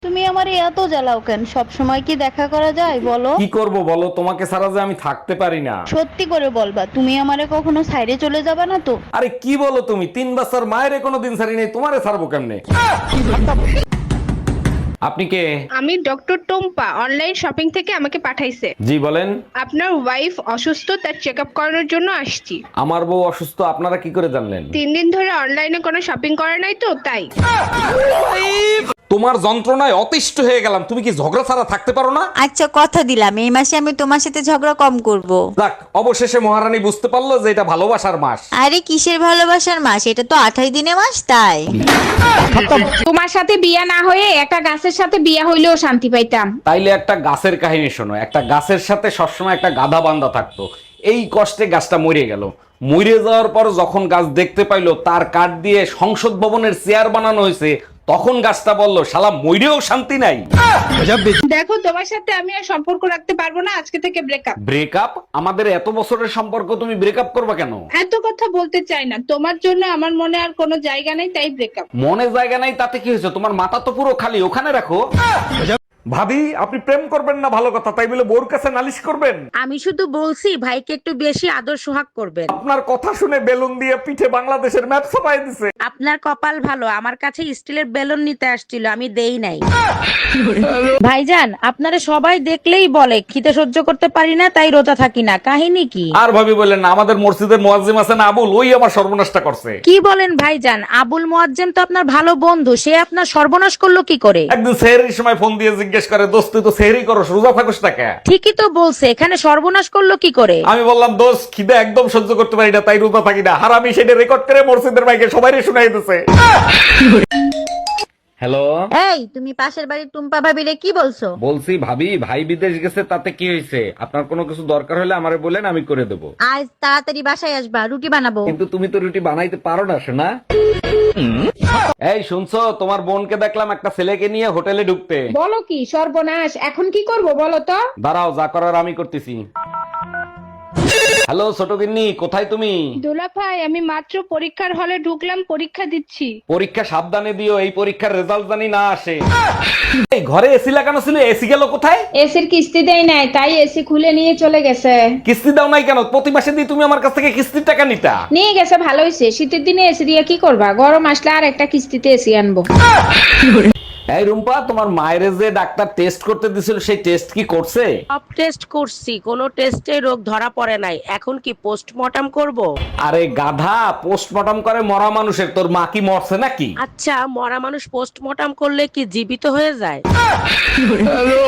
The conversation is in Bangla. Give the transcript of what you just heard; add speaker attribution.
Speaker 1: তুমি আমারে এত জ্বালাও কেন? সব সময় কি দেখা করা যায় বলো?
Speaker 2: কি করব বলো, তোমাকে ছাড়া যে আমি থাকতে পারি না।
Speaker 1: সত্যি করে বলবা, তুমি আমারে কখনো সাইডে চলে যাবা না তো?
Speaker 2: আরে কি বলো তুমি, 3 বছর মায়ের কোনো দিন ছাড়ি নেই, তোমারে ছাড়বো কেমনে? আপনি কে?
Speaker 3: আমি ডক্টর টোম্পা, অনলাইন শপিং থেকে আমাকে পাঠাইছে।
Speaker 2: জি বলেন।
Speaker 3: আপনার ওয়াইফ অসুস্থ, তার চেক আপ করানোর জন্য আসছি।
Speaker 2: আমার বউ অসুস্থ, আপনারা কি করে জানলেন?
Speaker 3: 3 দিন ধরে অনলাইনে কোনো শপিং করে নাই তো তাই।
Speaker 2: তোমার যন্ত্রণায় অতিষ্ঠ হয়ে গেলাম, তুমি কি ঝগড়া ছাড়া থাকতে পারো না?
Speaker 4: আচ্ছা, কথা দিলাম এই মাসে আমি তোমার সাথে ঝগড়া কম করব।
Speaker 2: যাক, অবশেষে মহারানী বুঝতে পারলো যে এটা ভালোবাসার মাস।
Speaker 4: আরে কিসের ভালোবাসার মাস, এটা তো 28 দিনের মাস তাই।
Speaker 3: তোমার সাথে বিয়া না হয়ে একটা গাছের সাথে বিয়া হইলেও শান্তি পাইতাম।
Speaker 2: তাইলে একটা গাছের কাহিনী শোনো। একটা গাছের সাথে সবসময় একটা গাধা বান্ধা থাকতো। এই কষ্টে গাছটা মরে গেল। মরে যাওয়ার পর যখন গাছ দেখতে পাইলো তার কাঠ দিয়ে সংসদ ভবনের চেয়ার বানানো হয়েছে, তখন গাছটা বলল, শালা মইরেও শান্তি নাই।
Speaker 3: দেখো, তোমার সাথে আমি আর সম্পর্ক রাখতে পারবো না, আজকে থেকে ব্রেকআপ।
Speaker 2: ব্রেকআপ? আমাদের এত বছরের সম্পর্ক, তুমি ব্রেকআপ করবা কেন?
Speaker 3: এত কথা বলতে চাই না, তোমার জন্য আমার মনে আর কোনো জায়গা নেই, তাই ব্রেকআপ।
Speaker 2: মনে জায়গা নাই তাতে কি হয়েছে? তোমার মাথা তো পুরো খালি, ওখানে রাখো। ভাবি, আপনি প্রেম করবেন না ভালো কথা, তাই বলে বোর কাছে নালিশ করবেন?
Speaker 5: আমি শুধু বলছি ভাইকে একটু বেশি আদর সোহাগ করবেন।
Speaker 2: আপনার কথা শুনে বেলুন দিয়ে পিঠে বাংলাদেশের ম্যাপ ছাপাই দিছে।
Speaker 5: আপনার কপাল ভালো, আমার কাছে স্টিলের বেলুন নিতে আসছিল, আমি দেই নাই। ভাইজান, আপনারা সবাই দেখলেই বলে খিদে সহ্য করতে পারি না, তাই রোজা থাকি না। কাহিনী কি?
Speaker 2: আর ভাবি বললেন না, আমাদের মসজিদের মুয়াজ্জিম আছে না আবুল, ওই আমার সর্বনাশটা করছে।
Speaker 5: কি বলেন ভাইজান? আবুল মুয়াজ্জেম তো আপনার ভালো বন্ধু, সে আপনার সর্বনাশ করলো কি করে?
Speaker 2: একদিন সেহরির সময় ফোন দিয়ে জিজ্ঞেস করে, দোস্ত তুই তো সেহরি করস, রোজা থাকস না কেন?
Speaker 5: ঠিকই তো বলছে, এখানে সর্বনাশ করলো কি করে?
Speaker 2: আমি বললাম, দোস্ত খিদে একদম সহ্য করতে পারি না, তাই রোজা থাকি না। আর আমি সেটা রেকর্ড করে মসজিদের মাইকে সবাই শুনাই দিতেছে। হ্যালো,
Speaker 4: এই তুমি পাশের বাড়ির টুম্পা ভাবিরে কি বলছো?
Speaker 2: বলছি ভাবি, ভাই বিদেশ গেছে, তাতে কি হয়েছে? আপনার কোনো কিছু দরকার হলে আমারে বলেন, আমি করে দেবো।
Speaker 4: আজ তাড়াতাড়ি বাসায় আসবা, রুটি বানাবো।
Speaker 2: কিন্তু তুমি তো রুটি বানাইতে পারো না শোনা। এই শুনছো, তোমার বোনকে দেখলাম একটা ছেলেকে নিয়ে হোটেলে ঢুকতে।
Speaker 3: বলো কি সর্বনাশ, এখন কি করব বলো তো?
Speaker 2: দাঁড়াও, যা করার আমি করতেছি। হ্যালো ছোট গিন্নি, কোথায় তুমি?
Speaker 3: দোলা ভাই, আমি মাত্র পরীক্ষার হলে ঢুকলাম, পরীক্ষা দিচ্ছি।
Speaker 2: পরীক্ষা সাবধানে দিও, এই পরীক্ষার রেজাল্ট জানি না আসে। এই ঘরে এসি লাগানো ছিল, এসি গেল কোথায়?
Speaker 3: এসির কিস্তি দেয় নাই, তাই এসি খুলে নিয়ে চলে গেছে।
Speaker 2: কিস্তি দাও নাই কেন? প্রতি মাসে দিয়ে তুমি আমার কাছ থেকে কিস্তির টাকা নিতা।
Speaker 3: নিয়ে গেছে, ভালো হয়েছে। শীতের দিনে এসি দিয়ে কি করবা, গরম আসলে আর একটা কিস্তিতে এসি আনবো।
Speaker 2: এই রুম্পা, তোমার মায়ের যে ডাক্তার টেস্ট করতে দিছিল, সেই টেস্ট কি করছে?
Speaker 5: সব টেস্ট করছি, কোনো টেস্টে রোগ ধরা পড়ে নাই। এখন কি পোস্টমর্টম করব?
Speaker 2: আরে গাধা, পোস্টমর্টম করে মরা মানুষের, তোর মা কি মরছে নাকি?
Speaker 5: আচ্ছা, মরা মানুষ পোস্টমর্টম করলে কি জীবিত হয়ে যায়?